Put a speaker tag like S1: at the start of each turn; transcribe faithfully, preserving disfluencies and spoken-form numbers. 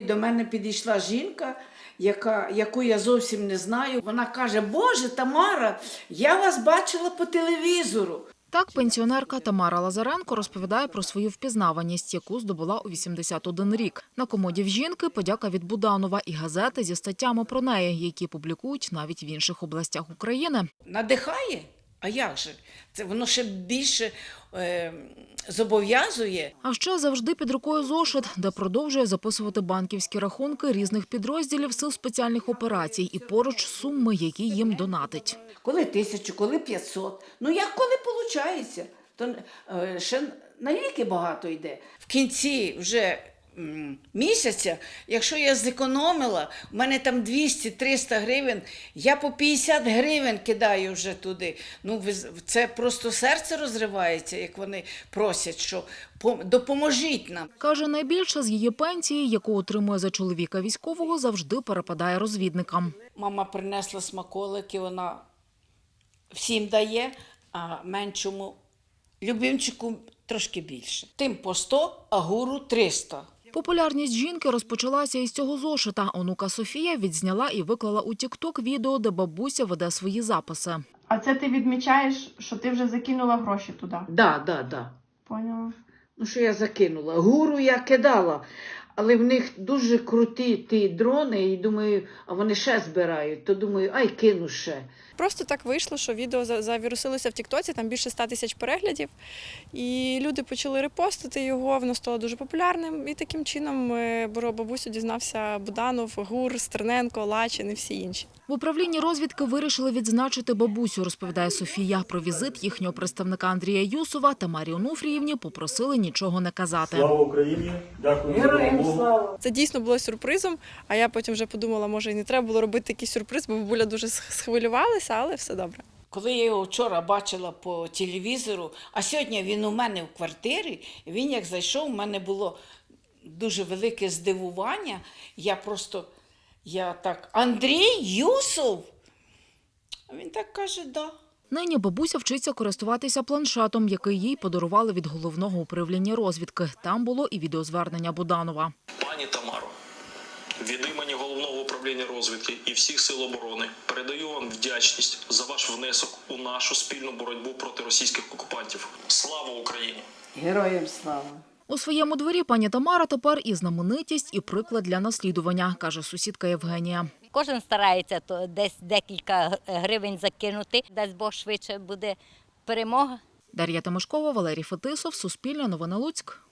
S1: До мене підійшла жінка, яка, яку я зовсім не знаю. Вона каже: «Боже, Тамара, я вас бачила по телевізору».
S2: Так, пенсіонерка Тамара Лазаренко розповідає про свою впізнаваність, яку здобула у вісімдесят один рік. На комоді в жінки подяка від Буданова і газети зі статтями про неї, які публікують навіть в інших областях України.
S1: Надихає? А як же? Це воно ще більше е, зобов'язує.
S2: А ще завжди під рукою зошит, де продовжує записувати банківські рахунки різних підрозділів сил спеціальних операцій і поруч суми, які їм донатить.
S1: Коли тисячу, коли п'ятсот. Ну як коли виходить? То е, ще на ліки багато йде. В кінці вже м, місяця, якщо я зекономила, в мене там двісті-триста гривень, я по п'ятдесят гривень кидаю вже туди. Ну, ви- це просто серце розривається, як вони просять, що «Пом- допоможіть нам».
S2: Каже, найбільше з її пенсії, яку отримує за чоловіка військового, завжди перепадає розвідникам.
S1: Мама принесла смаколики, вона всім дає, а меншому любимчику трошки більше. Тим по сто, а гуру триста.
S2: Популярність жінки розпочалася із цього зошита. Онука Софія відзняла і виклала у тік-ток відео, де бабуся веде свої записи.
S3: А це ти відмічаєш, що ти вже закинула гроші туди?
S1: Да, да, да.
S3: Поняла.
S1: Ну, що я закинула? Гуру я кидала, але в них дуже круті ті дрони, і думаю, а вони ще збирають, то думаю, ай, кину ще.
S4: Просто так вийшло, що відео за- завірусилося в Тіктоці, там більше ста тисяч переглядів, і люди почали репостити його, воно стало дуже популярним, і таким чином е, про бабусю дізнався Буданов, Гур, Стерненко, Лачин і всі інші.
S2: В управлінні розвідки вирішили відзначити бабусю, розповідає Софія. Про візит їхнього представника Андрія Юсова Тамарі Онуфріївні попросили нічого не казати.
S5: Слава Україні! Дякую за
S1: Героям
S5: допомогу.
S1: слава!
S4: Це дійсно було сюрпризом, а я потім вже подумала, може і не треба було робити такий сюрприз, бо бабуля дуже схвилювалася, але все добре.
S1: Коли я його вчора бачила по телевізору, а сьогодні він у мене в квартирі, він як зайшов, у мене було дуже велике здивування. Я просто, я так, Андрій Юсов? А він так каже, да.
S2: Нині бабуся вчиться користуватися планшетом, який їй подарували від головного управління розвідки. Там було і відеозвернення Буданова.
S6: Пані Тамаро, від імені Головного управління розвідки і всіх сил оборони передаю вам вдячність за ваш внесок у нашу спільну боротьбу проти російських окупантів. Слава Україні!
S1: Героям слава!
S2: У своєму дворі пані Тамара тепер і знаменитість, і приклад для наслідування, каже сусідка Євгенія.
S7: Кожен старається то десь декілька гривень закинути, дасть Бог швидше буде перемога.
S2: Дар'я Тимошкова, Валерій Фетисов, Суспільне новини Луцьк.